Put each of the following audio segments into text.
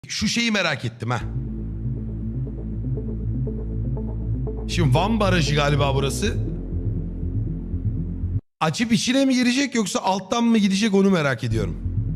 Şu şeyi merak ettim ha. Şimdi Van Barajı galiba burası. Açıp içine mi girecek yoksa alttan mı gidecek onu merak ediyorum.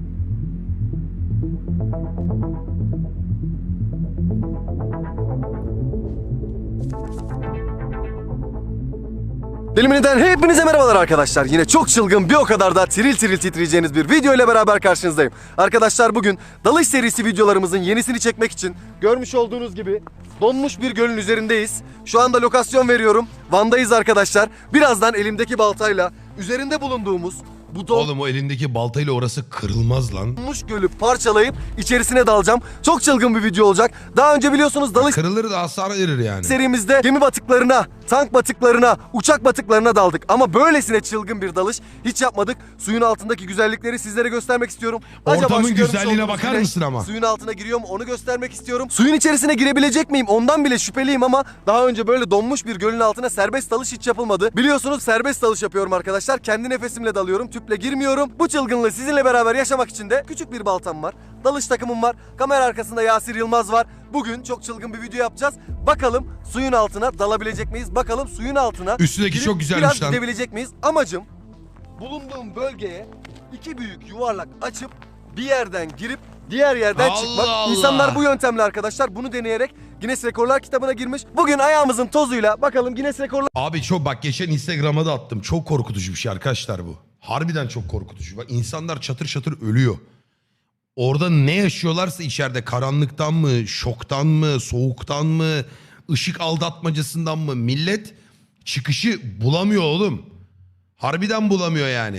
Elimden hepinize merhabalar arkadaşlar. Yine çok çılgın, bir o kadar da tiril tiril titreyeceğiniz bir video ile beraber karşınızdayım. Arkadaşlar bugün dalış serisi videolarımızın yenisini çekmek için görmüş olduğunuz gibi donmuş bir gölün üzerindeyiz. Şu anda lokasyon veriyorum. Van'dayız arkadaşlar. Birazdan elimdeki baltayla üzerinde bulunduğumuz bu Oğlum o elindeki baltayla orası kırılmaz lan. donmuş gölü parçalayıp içerisine dalacağım. Çok çılgın bir video olacak. Daha önce biliyorsunuz dalış Kırılır da hasar verir yani. serimizde gemi batıklarına, tank batıklarına, uçak batıklarına daldık. Ama böylesine çılgın bir dalış hiç yapmadık. Suyun altındaki güzellikleri sizlere göstermek istiyorum. Ortamın şu görmüş güzelliğine olduğunuz bakar güneş mısın ama? Suyun altına giriyor mu onu göstermek istiyorum. Suyun içerisine girebilecek miyim ondan bile şüpheliyim ama daha önce böyle donmuş bir gölün altına serbest dalış hiç yapılmadı. Biliyorsunuz serbest dalış yapıyorum arkadaşlar. Kendi nefesimle dalıyorum, tüple girmiyorum. Bu çılgınlığı sizinle beraber yaşamak için de küçük bir baltam var. Dalış takımım var. Kamera arkasında Yasir Yılmaz var. Bugün çok çılgın bir video yapacağız. Bakalım suyun altına dalabilecek miyiz? Bakalım suyun altına Üstündeki girip çok güzelmiş biraz lan. gidebilecek miyiz? Amacım bulunduğum bölgeye iki büyük yuvarlak açıp bir yerden girip diğer yerden Allah çıkmak. Allah. İnsanlar bu yöntemle arkadaşlar bunu deneyerek Guinness Rekorlar kitabına girmiş. Bugün ayağımızın tozuyla bakalım Guinness Rekorlar Abi çok bak geçen Instagram'a da attım. Çok korkutucu bir şey arkadaşlar bu. Harbiden çok korkutucu. Bak insanlar çatır çatır ölüyor. Orada ne yaşıyorlarsa içeride karanlıktan mı, şoktan mı, soğuktan mı, ışık aldatmacasından mı millet çıkışı bulamıyor oğlum. Harbiden bulamıyor yani.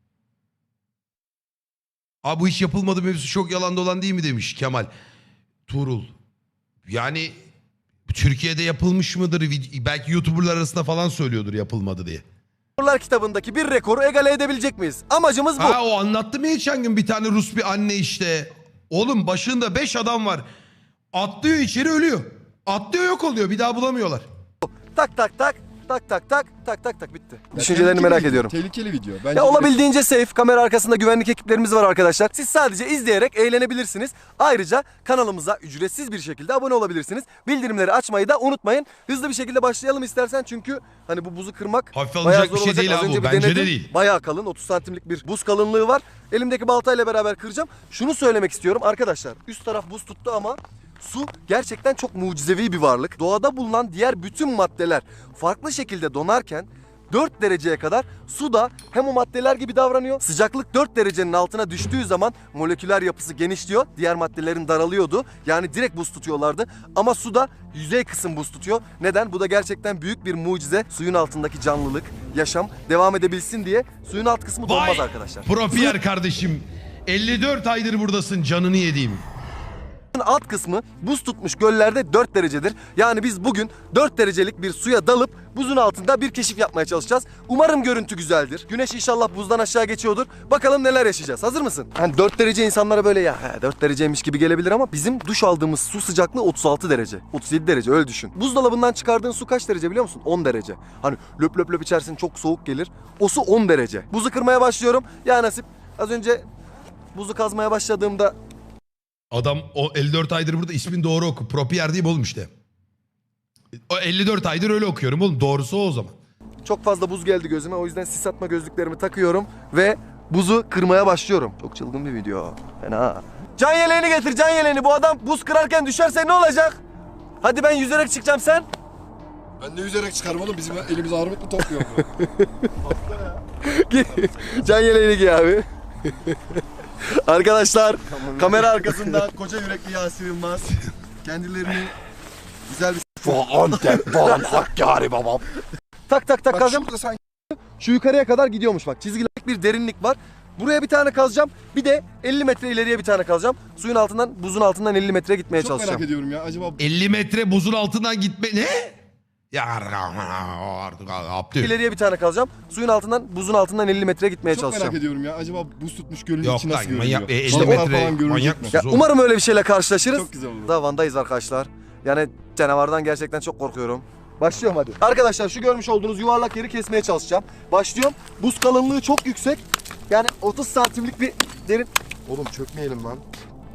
Abi bu hiç yapılmadı mevzusu çok yalan dolan değil mi demiş Kemal Tuğrul. Yani Türkiye'de yapılmış mıdır? Belki YouTuber'lar arasında falan söylüyordur yapılmadı diye. kitabındaki bir rekoru egale edebilecek miyiz? Amacımız bu. Ha o anlattı mı geçen gün bir tane Rus bir anne işte. Oğlum başında 5 adam var. Atlıyor içeri ölüyor. Atlıyor yok oluyor bir daha bulamıyorlar. Tak tak tak tak tak tak tak tak tak bitti. Düşüncelerini merak ediyorum. Tehlikeli video. Bence Ya olabildiğince safe. Kamera arkasında güvenlik ekiplerimiz var arkadaşlar. Siz sadece izleyerek eğlenebilirsiniz. Ayrıca kanalımıza ücretsiz bir şekilde abone olabilirsiniz. Bildirimleri açmayı da unutmayın. Hızlı bir şekilde başlayalım istersen çünkü hani bu buzu kırmak Hafif bayağı alınacak zor bir şey olacak. değil Az abi önce bu. bir Bence de denedim. değil. Bayağı kalın 30 santimlik bir buz kalınlığı var. Elimdeki baltayla beraber kıracağım. Şunu söylemek istiyorum arkadaşlar. Üst taraf buz tuttu ama su gerçekten çok mucizevi bir varlık. Doğada bulunan diğer bütün maddeler farklı şekilde donarken 4 dereceye kadar su da hem o maddeler gibi davranıyor. Sıcaklık 4 derecenin altına düştüğü zaman moleküler yapısı genişliyor. Diğer maddelerin daralıyordu. Yani direkt buz tutuyorlardı. Ama su da yüzey kısım buz tutuyor. Neden? Bu da gerçekten büyük bir mucize. Suyun altındaki canlılık, yaşam devam edebilsin diye suyun alt kısmı donmaz Vay arkadaşlar. Propiyer kardeşim. 54 aydır buradasın canını yediğim. Alt kısmı buz tutmuş göllerde 4 derecedir. Yani biz bugün 4 derecelik bir suya dalıp buzun altında bir keşif yapmaya çalışacağız. Umarım görüntü güzeldir. Güneş inşallah buzdan aşağı geçiyordur. Bakalım neler yaşayacağız. Hazır mısın? Hani 4 derece insanlara böyle ya 4 dereceymiş gibi gelebilir ama bizim duş aldığımız su sıcaklığı 36 derece. 37 derece öyle düşün. Buzdolabından çıkardığın su kaç derece biliyor musun? 10 derece. Hani löp löp löp içersin çok soğuk gelir. O su 10 derece. Buzu kırmaya başlıyorum. Ya nasip az önce buzu kazmaya başladığımda Adam o 54 aydır burada ismin doğru oku. Propiyer değil mi oğlum işte. O 54 aydır öyle okuyorum oğlum. Doğrusu o zaman. çok fazla buz geldi gözüme. O yüzden sis atma gözlüklerimi takıyorum ve buzu kırmaya başlıyorum. Çok çılgın bir video. Fena. Can yeleğini getir, can yeleğini. Bu adam buz kırarken düşerse ne olacak? Hadi ben yüzerek çıkacağım, sen? Ben de yüzerek çıkarım oğlum. Bizim elimiz armut mu topluyor bu? Can yeleğini giy abi. Arkadaşlar, kamera arkasında koca yürekli Yasir Yılmaz. Kendilerini güzel bir... Hakkari babam. Tak tak tak Bak kazacağım. şurada sanki Şu yukarıya kadar gidiyormuş bak. Çizgilik bir derinlik var. Buraya bir tane kazacağım. Bir de 50 metre ileriye bir tane kazacağım. Suyun altından, buzun altından 50 metre gitmeye çok çalışacağım. merak ediyorum ya. Acaba 50 metre buzun altından gitme... Ne? Ya artık atlıyor. İleriye bir tane kazacağım. Suyun altından, buzun altından 50 metre gitmeye çok çalışacağım. merak ediyorum ya. Acaba buz tutmuş gölün Yok içi lan, nasıl manyak, görünüyor? 50 Balıklar metre falan görünecek manyak mi? mısın? Ya, Zor. umarım öyle bir şeyle karşılaşırız. Çok güzel olur. Daha Van'dayız arkadaşlar. Yani canavardan gerçekten çok korkuyorum. Başlıyorum hadi. Arkadaşlar şu görmüş olduğunuz yuvarlak yeri kesmeye çalışacağım. Başlıyorum. Buz kalınlığı çok yüksek. Yani 30 santimlik bir derin... Oğlum çökmeyelim lan.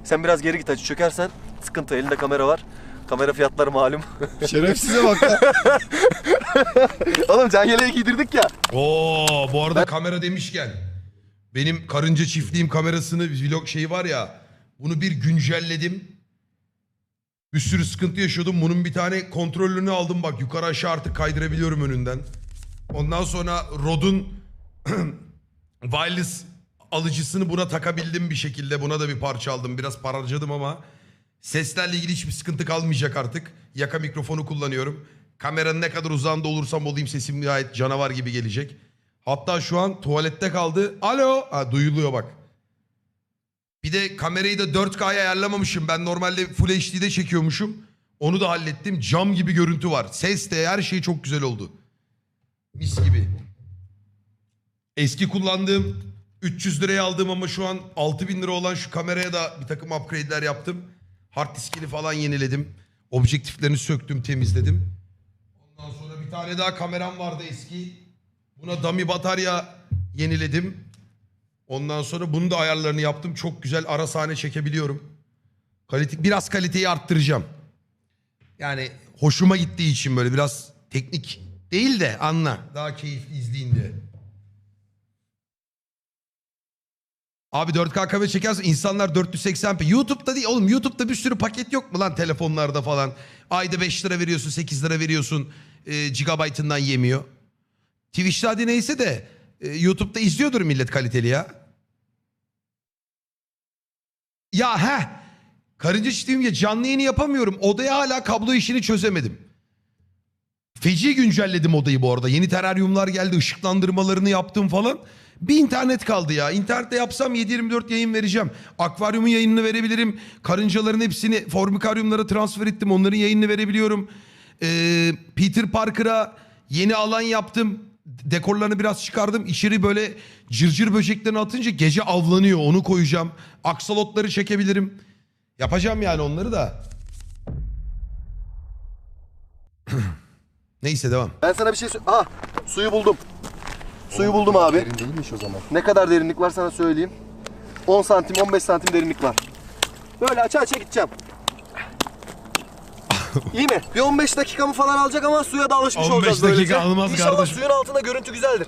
Sen biraz geri git hacı. Çökersen sıkıntı. Elinde kamera var. Kamera fiyatları malum. Şerefsize bak ya. Oğlum can yeleği giydirdik ya. Oo, bu arada kamera demişken benim karınca çiftliğim kamerasını vlog şeyi var ya, bunu bir güncelledim. Bir sürü sıkıntı yaşıyordum. Bunun bir tane kontrolünü aldım, bak yukarı aşağı artık kaydırabiliyorum önünden. Ondan sonra Rode'un wireless alıcısını buna takabildim bir şekilde. Buna da bir parça aldım. Biraz para harcadım ama seslerle ilgili hiçbir sıkıntı kalmayacak artık. Yaka mikrofonu kullanıyorum. Kameranın ne kadar uzağında olursam olayım sesim gayet canavar gibi gelecek. Hatta şu an tuvalette kaldı. Alo. Ha, duyuluyor bak. Bir de kamerayı da 4K'ya ayarlamamışım. Ben normalde Full HD'de çekiyormuşum. Onu da hallettim. Cam gibi görüntü var. Ses de her şey çok güzel oldu. Mis gibi. Eski kullandığım 300 liraya aldığım ama şu an 6000 lira olan şu kameraya da bir takım upgrade'ler yaptım. Hard diskini falan yeniledim. Objektiflerini söktüm, temizledim. Ondan sonra bir tane daha kameram vardı eski. Buna dummy batarya yeniledim. Ondan sonra bunun da ayarlarını yaptım. Çok güzel ara sahne çekebiliyorum. Biraz kaliteyi arttıracağım. Yani hoşuma gittiği için böyle biraz teknik değil de anla. Daha keyifli izleyin diye. Abi 4K kamera çekersen insanlar 480p. YouTube'da değil oğlum. YouTube'da bir sürü paket yok mu lan telefonlarda falan. Ayda 5 lira veriyorsun, 8 lira veriyorsun. Gigabyte'ından yemiyor. Twitch'te hadi neyse de YouTube'da izliyordur millet kaliteli ya. Ya karınca çiftliğim ya, canlı yayını yapamıyorum. Odaya hala kablo işini çözemedim. Feci güncelledim odayı bu arada. Yeni teraryumlar geldi, ışıklandırmalarını yaptım falan. Bir internet kaldı ya. İnternette yapsam 7/24 yayın vereceğim. Akvaryumun yayınını verebilirim. Karıncaların hepsini formikaryumlara transfer ettim. Onların yayınını verebiliyorum. Peter Parker'a yeni alan yaptım. Dekorlarını biraz çıkardım. İçeri böyle cırcır böceklerini atınca gece avlanıyor. Onu koyacağım. Aksolotları çekebilirim. Yapacağım yani onları da. Neyse devam. Ben sana bir şey Aha, suyu buldum. Suyu buldum abi. Derin değilmiş o zaman. Ne kadar derinlik var sana söyleyeyim. 10 santim 15 santim derinlik var. Böyle aça gideceğim. İyi mi? Bir 15 dakikamı falan alacak ama suya da alışmış 15 olacağız dakika böylece. almaz İnşallah kardeşim. suyun altında görüntü güzeldir.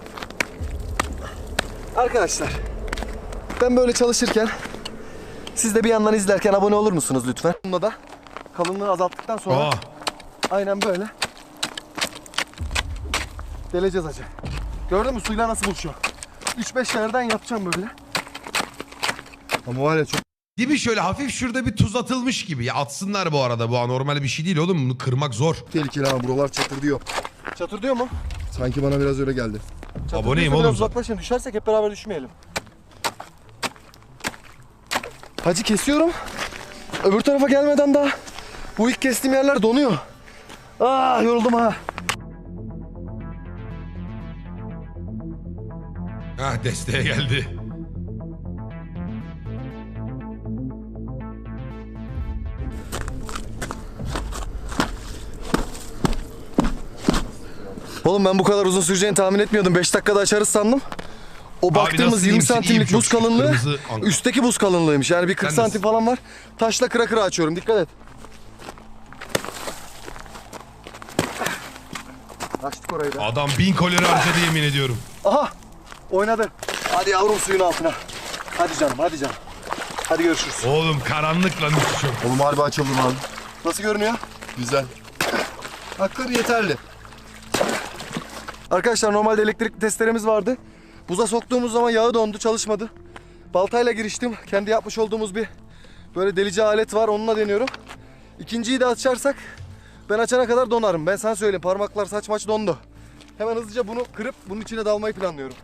Arkadaşlar, ben böyle çalışırken siz de bir yandan izlerken abone olur musunuz lütfen? Bunda da kalınlığı azalttıktan sonra aynen böyle deleceğiz hacı. Gördün mü suyla nasıl buluşuyor? 3-5 yerden yapacağım böyle. Ama var ya çok Değil mi, şöyle hafif şurada bir tuz atılmış gibi. Ya atsınlar bu arada, bu anormal bir şey değil oğlum. Bunu kırmak zor. tehlikeli ama buralar çatır diyor. Çatır diyor mu? Sanki bana biraz öyle geldi. Aboneyim oğlum Biraz zaten. uzaklaşın, düşersek hep beraber düşmeyelim. Hacı kesiyorum. Öbür tarafa gelmeden daha bu ilk kestiğim yerler donuyor. Yoruldum ha. Desteğe geldi. Oğlum ben bu kadar uzun süreceğini tahmin etmiyordum. 5 dakikada açarız sandım. O baktığımız nasıl 20 iyiyim, santimlik iyiyim çok buz şükür. kalınlığı Kırmızı anka. üstteki buz kalınlığıymış. Yani bir 40 Sen santim nasıl? falan var. Taşla kıra kıra açıyorum. Dikkat et. Açtık orayı da. Adam 1000 kalori harcadı yemin ediyorum. Aha! Oynadı. Hadi yavrum suyun altına. Hadi canım, hadi canım. Hadi görüşürüz. Oğlum karanlık lan üstü çok. Oğlum harbi açıldım abi. Nasıl görünüyor? Güzel. Hakları yeterli. Arkadaşlar normalde elektrikli testeremiz vardı. Buza soktuğumuz zaman yağı dondu, çalışmadı. Baltayla giriştim. Kendi yapmış olduğumuz bir böyle delici alet var. Onunla deniyorum. İkinciyi de açarsak ben açana kadar donarım. Ben sana söyleyeyim. Parmaklar saç maç dondu. Hemen hızlıca bunu kırıp bunun içine dalmayı planlıyorum.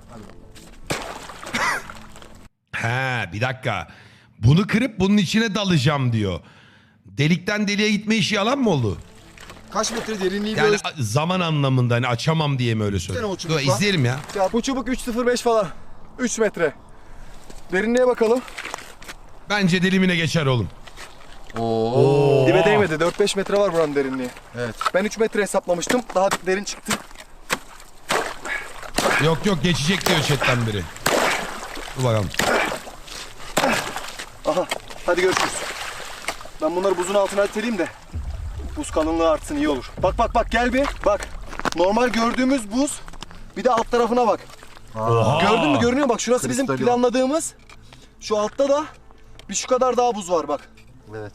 Bir dakika. Bunu kırıp bunun içine dalacağım diyor. Delikten deliğe gitme işi yalan mı oldu? Kaç metre derinliği Yani böyle zaman anlamında hani açamam diye mi öyle o söylüyor? çubuk Dur var. izleyelim ya. Ya bu çubuk 3.05 falan. 3 metre. Derinliğe bakalım. Bence delimine geçer oğlum. Oo. Dibe değmedi. 4-5 metre var buranın derinliği. Evet. Ben 3 metre hesaplamıştım. Daha derin çıktı. Yok geçecek diyor chatten biri. Dur bakalım. Aha. Hadi görüşürüz. Ben bunları buzun altına iteleyeyim de buz kalınlığı artsın, iyi olur. Bak bak bak, gel bir bak. Normal gördüğümüz buz. Bir de alt tarafına bak. Gördün mü? Görünüyor, bak şurası bizim Kristali planladığımız. Şu altta da bir şu kadar daha buz var bak. Evet.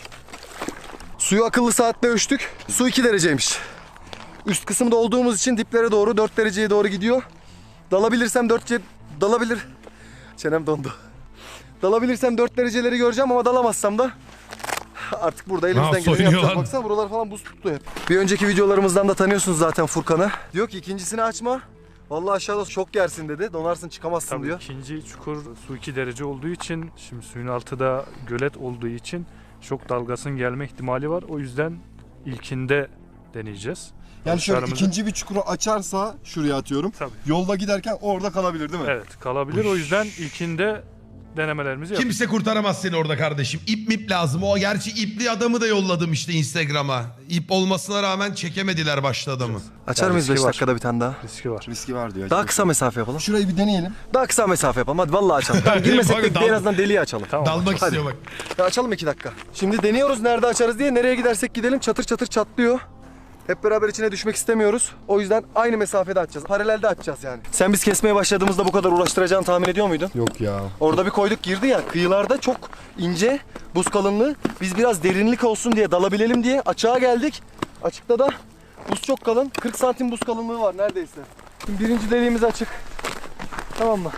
Suyu akıllı saatle ölçtük. Su 2 dereceymiş. Üst kısımda olduğumuz için diplere doğru 4 dereceye doğru gidiyor. Dalabilirsem 4 dalabilir. Çenem dondu. Dalabilirsem 4 dereceleri göreceğim ama dalamazsam da artık burada elimizden geleni soyuyor yapacağız. lan. Baksana buralar falan buz tuttu hep. Bir önceki videolarımızdan da tanıyorsunuz zaten Furkan'ı. Diyor ki ikincisini açma. Vallahi aşağıda şok yersin dedi. Donarsın, çıkamazsın Tabii diyor. ikinci çukur su 2 derece olduğu için, şimdi suyun altı da gölet olduğu için şok dalgasının gelme ihtimali var. O yüzden ilkinde deneyeceğiz. Yani şöyle Atışlarımızı- ikinci bir çukuru açarsa şuraya atıyorum. Tabii. Yolda giderken orada kalabilir değil mi? Evet, kalabilir. O yüzden ilkinde denemelerimizi yapıyoruz. Kimse kurtaramaz seni orada kardeşim. İp mip lazım. O gerçi ipli adamı da yolladım işte Instagram'a. İp olmasına rağmen çekemediler başta adamı. Açar Yani mıyız 5 riski var. dakikada bir tane daha? Riski var. Riski var diyor. Daha kısa mesafe yapalım. Şurayı bir deneyelim. Daha kısa mesafe yapalım. Hadi vallahi açalım. Tamam, girmesek Bak, de dal- en azından deliği açalım. Tamam. Dalmak Hadi. istiyor bak. Ya açalım 2 dakika. Şimdi deniyoruz nerede açarız diye. Nereye gidersek gidelim çatır çatır çatlıyor. Hep beraber içine düşmek istemiyoruz. O yüzden aynı mesafede açacağız. Paralelde açacağız yani. Sen biz kesmeye başladığımızda bu kadar uğraştıracağını tahmin ediyor muydun? Yok ya. Orada bir koyduk girdi ya. Kıyılarda çok ince buz kalınlığı. Biz biraz derinlik olsun diye, dalabilelim diye açığa geldik. Açıkta da buz çok kalın. 40 santim buz kalınlığı var neredeyse. Şimdi birinci deliğimiz açık. Tamam mı?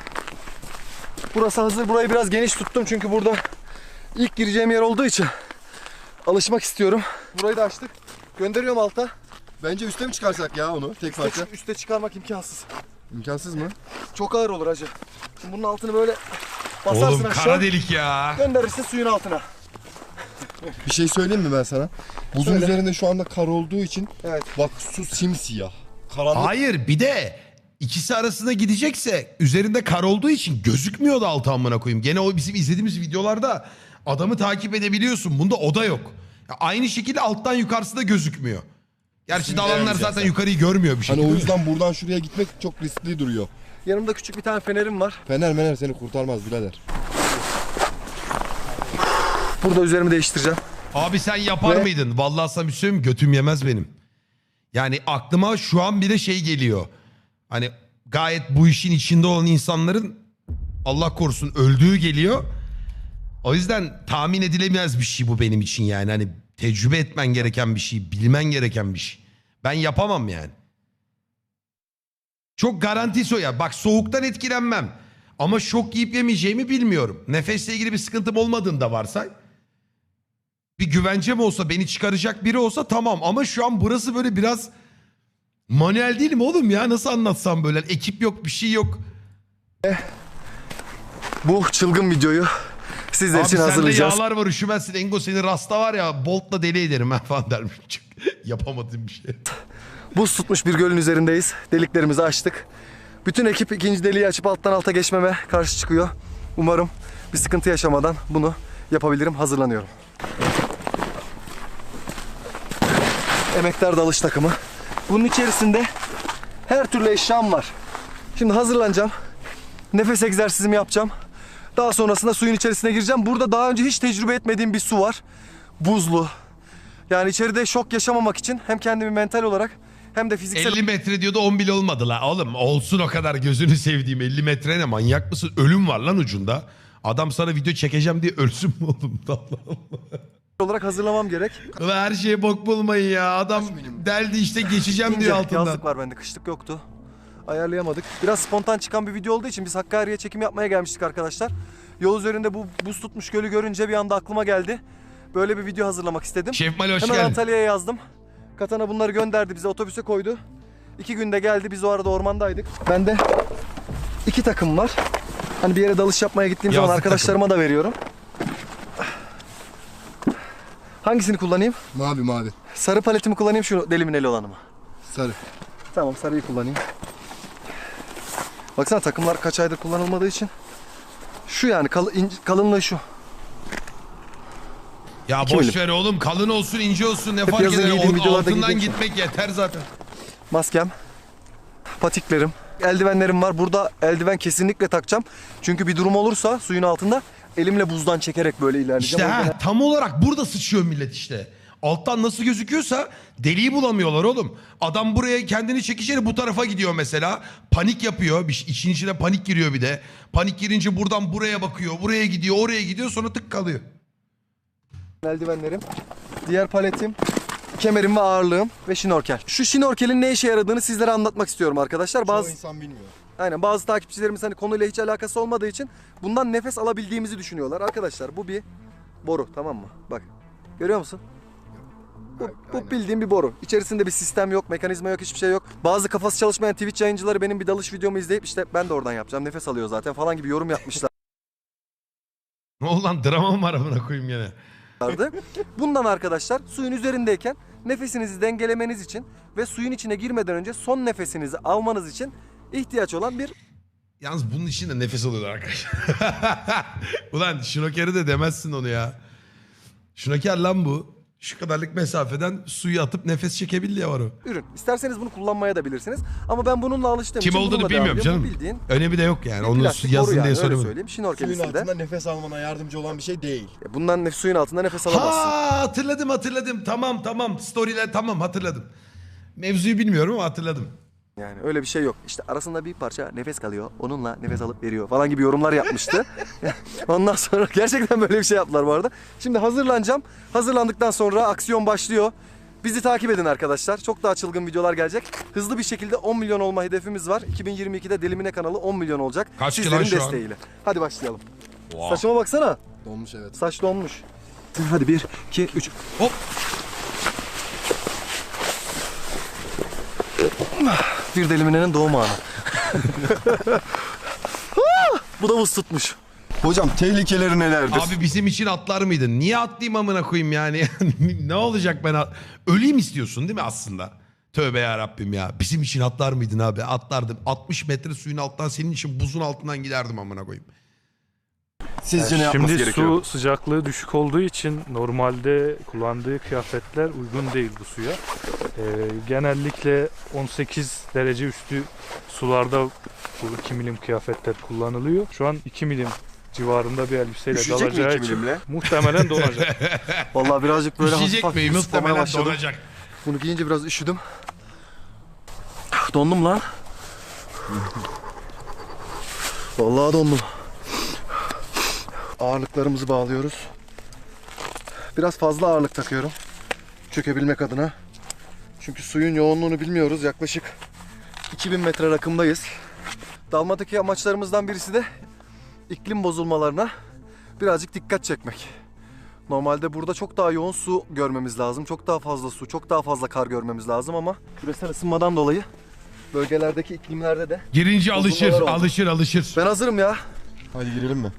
Burası hazır. Burayı biraz geniş tuttum çünkü burada ilk gireceğim yer olduğu için alışmak istiyorum. Burayı da açtık. Gönderiyorum alta. Bence üste mi çıkarsak ya onu tek parça? Üste çıkarmak imkansız. İmkansız mı? Çok ağır olur hacı. Şimdi bunun altını böyle basarsın Oğlum aşağı. kara delik ya. Gönderirsin suyun altına. Bir şey söyleyeyim mi ben sana? Buzun Söyle. üzerinde şu anda kar olduğu için Evet. bak su simsiyah. Karanlık. Hayır bir de ikisi arasında gidecekse üzerinde kar olduğu için gözükmüyordu altı amına koyayım. Gene o bizim izlediğimiz videolarda adamı takip edebiliyorsun. Bunda o da yok. Ya aynı şekilde alttan yukarısı da gözükmüyor. Gerçi Şimdi dalanlar deneyeceğiz zaten zaten. yukarıyı görmüyor bir Hani şekilde. o yüzden buradan şuraya gitmek çok riskli duruyor. Yanımda küçük bir tane fenerim var. Fener seni kurtarmaz birader. Burada üzerimi değiştireceğim. Abi sen yapar Ve- mıydın? Vallahi sana bir şey söyleyeyim mi? Götüm yemez benim. Yani aklıma şu an bile şey geliyor. Hani gayet bu işin içinde olan insanların Allah korusun öldüğü geliyor. O yüzden tahmin edilemez bir şey bu benim için yani. Hani tecrübe etmen gereken bir şey, bilmen gereken bir şey. Ben yapamam yani. Çok garantisi o ya. Bak soğuktan etkilenmem. Ama şok yiyip yemeyeceğimi bilmiyorum. Nefesle ilgili bir sıkıntım olmadığını da varsay. Bir güvencem olsa, beni çıkaracak biri olsa tamam. Ama şu an burası böyle biraz manuel değil mi oğlum ya? Nasıl anlatsam böyle? Ekip yok, bir şey yok. Bu çılgın videoyu sizler Abi için sende hazırlayacağız. yağlar var, üşümezsin. Engo seni rasta var ya, boltla deli ederim ha falan dermiş. Yapamadığım bir şey. Buz tutmuş bir gölün üzerindeyiz. Deliklerimizi açtık. Bütün ekip ikinci deliği açıp alttan alta geçmeme karşı çıkıyor. Umarım bir sıkıntı yaşamadan bunu yapabilirim. Hazırlanıyorum. Emektar dalış takımı. Bunun içerisinde her türlü eşyam var. Şimdi hazırlanacağım. Nefes egzersizimi yapacağım. Daha sonrasında suyun içerisine gireceğim. Burada daha önce hiç tecrübe etmediğim bir su var. Buzlu. Yani içeride şok yaşamamak için hem kendimi mental olarak hem de fiziksel 50 metre diyordu 10 bile olmadı la. Oğlum olsun o kadar, gözünü sevdiğim 50 metre ne, manyak mısın? Ölüm var lan ucunda. Adam sana video çekeceğim diye ölsün mü oğlum? Allah olarak hazırlamam gerek. Allah. Her şeye bok bulmayın ya. Adam deldi işte, geçeceğim İnce, diyor altından. yazlık var bende, kışlık yoktu. Ayarlayamadık. Biraz spontan çıkan bir video olduğu için biz Hakkari'ye çekim yapmaya gelmiştik arkadaşlar. Yol üzerinde bu buz tutmuş gölü görünce bir anda aklıma geldi. Böyle bir video hazırlamak istedim. Şef Mali hoş Hemen geldin. Antalya'ya yazdım. Katana bunları gönderdi bize, otobüse koydu. 2 günde geldi, biz o arada ormandaydık. Bende 2 takım var. Hani bir yere dalış yapmaya gittiğim zaman Yazlık arkadaşlarıma da veriyorum. Hangisini kullanayım? Mavi. Sarı paletimi kullanayım, şu delimineli olanı mı? Sarı. Tamam, sarıyı kullanayım. Baksana takımlar kaç aydır kullanılmadığı için. Şu yani kalınlığı şu. Ya 2 boş milim. ver oğlum, kalın olsun ince olsun ne Hep fark yazın eder. giydiğim Onun videolarda altından giydiğim gitmek yeter zaten. Maskem, patiklerim, eldivenlerim var. Burada eldiven kesinlikle takacağım. Çünkü bir durum olursa suyun altında elimle buzdan çekerek böyle ilerleyeceğim. İşte tam olarak burada sıçıyor millet işte. Alttan nasıl gözüküyorsa deliği bulamıyorlar oğlum. Adam buraya kendini çekişeri bu tarafa gidiyor mesela. Panik yapıyor. İşin içine panik giriyor bir de. Panik girince buradan buraya bakıyor. Buraya gidiyor, oraya gidiyor, sonra tık kalıyor. Eldivenlerim, diğer paletim, kemerim ve ağırlığım ve şnorkel. Şu şnorkelin ne işe yaradığını sizlere anlatmak istiyorum arkadaşlar. Çoğu insan bilmiyor. Aynen, bazı takipçilerimiz hani konuyla hiç alakası olmadığı için bundan nefes alabildiğimizi düşünüyorlar. Arkadaşlar bu bir boru, tamam mı? Bak, görüyor musun? Bu bildiğim bir boru. İçerisinde bir sistem yok, mekanizma yok, hiçbir şey yok. Bazı kafası çalışmayan Twitch yayıncıları benim bir dalış videomu izleyip işte ben de oradan yapacağım, nefes alıyor zaten falan gibi yorum yapmışlar. Ne oldu lan, drama mı var amına koyayım gene? Bundan arkadaşlar suyun üzerindeyken nefesinizi dengelemeniz için ve suyun içine girmeden önce son nefesinizi almanız için ihtiyaç olan bir... Yalnız bunun için de nefes alıyorlar arkadaşlar. Ulan şnokeri de demezsin onu ya. Şnoker lan bu. Şu kadarlık mesafeden suyu atıp nefes çekebildiği var o. ürün. İsterseniz bunu kullanmaya da bilirsiniz. Ama ben bununla alıştığım Kim için olduğunu bununla devam bilmiyorum ediyorum. Bu canım. bildiğin Önemi de yok yani. bir Onu plastik boru yazın yani, diye öyle söylemedim. söyleyeyim. Şnorkel Suyun üstünde. altında nefes almana yardımcı olan bir şey değil. Bundan suyun altında nefes alamazsın. Ha hatırladım. Tamam. Story'ler tamam hatırladım. Mevzuyu bilmiyorum ama hatırladım. Yani öyle bir şey yok. İşte arasında bir parça nefes kalıyor. Onunla nefes alıp veriyor falan gibi yorumlar yapmıştı. Ondan sonra gerçekten böyle bir şey yaptılar bu arada. Şimdi hazırlanacağım. Hazırlandıktan sonra aksiyon başlıyor. Bizi takip edin arkadaşlar. Çok daha çılgın videolar gelecek. Hızlı bir şekilde 10 milyon olma hedefimiz var. 2022'de Delimine kanalı 10 milyon olacak. Kaç ki Sizlerin lan şu an? desteğiyle. Hadi başlayalım. Wow. Saçıma baksana. Donmuş evet. Saç donmuş. Hadi 1, 2, 3. Hop. Bir Delimine'nin doğum anı. Bu da buz tutmuş. Hocam tehlikeleri nelerdir? Abi bizim için atlar mıydın? Niye atlayayım amına koyayım yani? Ne olacak ben öleyim istiyorsun değil mi aslında? Tövbe ya Rabbim ya. Bizim için atlar mıydın abi? Atlardım. 60 metre suyun alttan senin için buzun altından giderdim amına koyayım. Sizce ne yapması Şimdi gerekiyor? su sıcaklığı düşük olduğu için normalde kullandığı kıyafetler uygun değil bu suya. Genellikle 18 derece üstü sularda bu 2 milim kıyafetler kullanılıyor. Şu an 2 milim civarında bir elbiseyle Üşüyecek mi dalacağı 2 için milimle? muhtemelen donacak. Vallahi birazcık böyle Üşüyecek hafif miyim? ıslamaya Muhtemelen başladım. donacak. Bunu giyince biraz üşüdüm. Dondum lan. Vallahi dondum. Ağırlıklarımızı bağlıyoruz. Biraz fazla ağırlık takıyorum. Çökebilmek adına. Çünkü suyun yoğunluğunu bilmiyoruz. Yaklaşık 2000 metre rakımdayız. Dalmadaki amaçlarımızdan birisi de iklim bozulmalarına birazcık dikkat çekmek. Normalde burada çok daha yoğun su görmemiz lazım. Çok daha fazla su, çok daha fazla kar görmemiz lazım ama küresel ısınmadan dolayı bölgelerdeki iklimlerde de... Girince alışır, Bozulmalar oldu. alışır. Ben hazırım ya. Hadi girelim mi?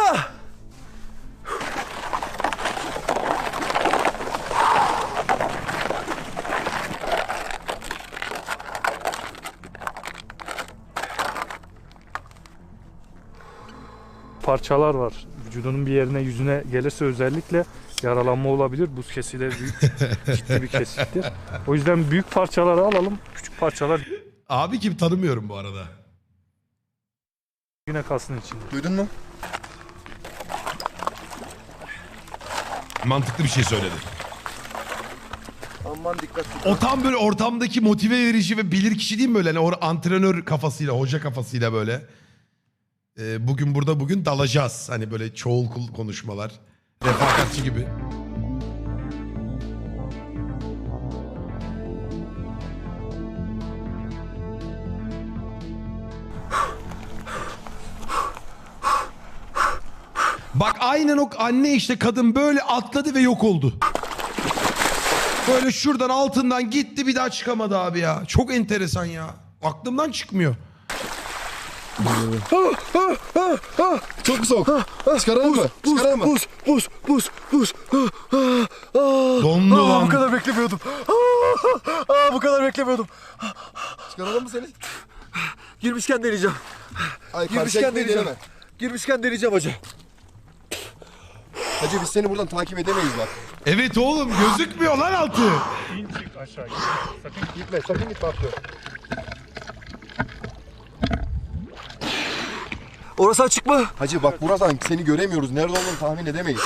Parçalar var. Vücudunun bir yerine, yüzüne gelirse özellikle yaralanma olabilir. Buz kesileri büyük, ciddi bir kesittir. O yüzden büyük parçaları alalım. Küçük parçalar Abi kim tanımıyorum bu arada. yine kalsın içinde. Duydun mu? Mantıklı bir şey söyledi. Aman dikkat. O tam böyle ortamdaki motive verici ve bilir kişi değil mi böyle? Hani antrenör kafasıyla, hoca kafasıyla böyle. Bugün burada bugün dalacağız. Hani böyle çoğul konuşmalar. Refakatçi gibi. Bak aynen o anne işte kadın böyle atladı ve yok oldu. Böyle şuradan altından gitti bir daha çıkamadı abi ya. Çok enteresan ya. Aklımdan çıkmıyor. Çok soğuk. Çıkaralım mı? Çıkaralım mı? Buz. Dondu lan. Bu kadar beklemiyordum. Bu kadar beklemiyordum. Çıkaralım mı seni? Girmişken deneyeceğim. Ay Girmişken karşıya deneyeceğim. deneme. Girmişken deneyeceğim hacı. Hacı biz seni buradan takip edemeyiz bak. Evet oğlum gözükmüyor lan altı. İn çık aşağı. Sakın Gitme sakın gitme atlıyor. Orası açık mı? Hacı bak buradan seni göremiyoruz. Nerede olduğunu tahmin edemeyiz.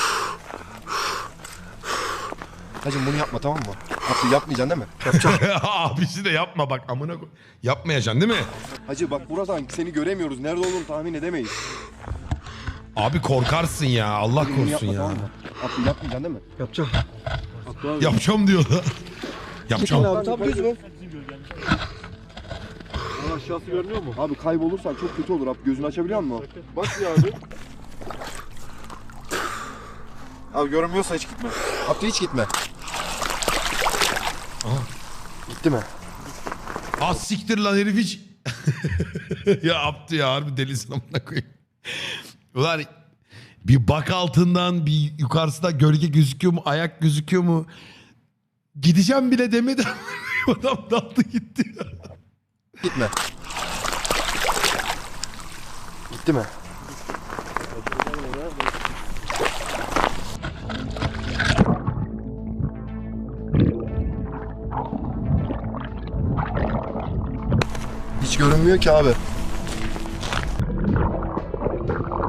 Hacım bunu yapma, tamam mı? Abdü yapmayacaksın değil mi? Abisi de yapma bak amına koy. Yapmayacaksın değil mi? Hacı bak buradan seni göremiyoruz. Nerede olduğunu tahmin edemeyiz. Abi korkarsın ya. Allah Bunu korusun yapma, ya. tamam mı? Abdü yapmayacaksın değil mi? Yapacağım. Yapacağım diyor da. Yapacağım. Abi tam düz mü? Aşağısı görünüyor mu? Abi kaybolursan çok kötü olur. Abi gözünü açabiliyor musun? Bak ya abi. Abi görünmüyorsa hiç gitme. Abdü hiç gitme. Gitti mi? Az siktir lan herif hiç. Ya Abdü ya harbi delisin amına koyayım. Ulan bir bak altından bir yukarısında gölge gözüküyor mu, ayak gözüküyor mu? Gideceğim bile demedi. Adam daldı gitti. Gitme. Gitti mi? Hiç görünmüyor ki abi.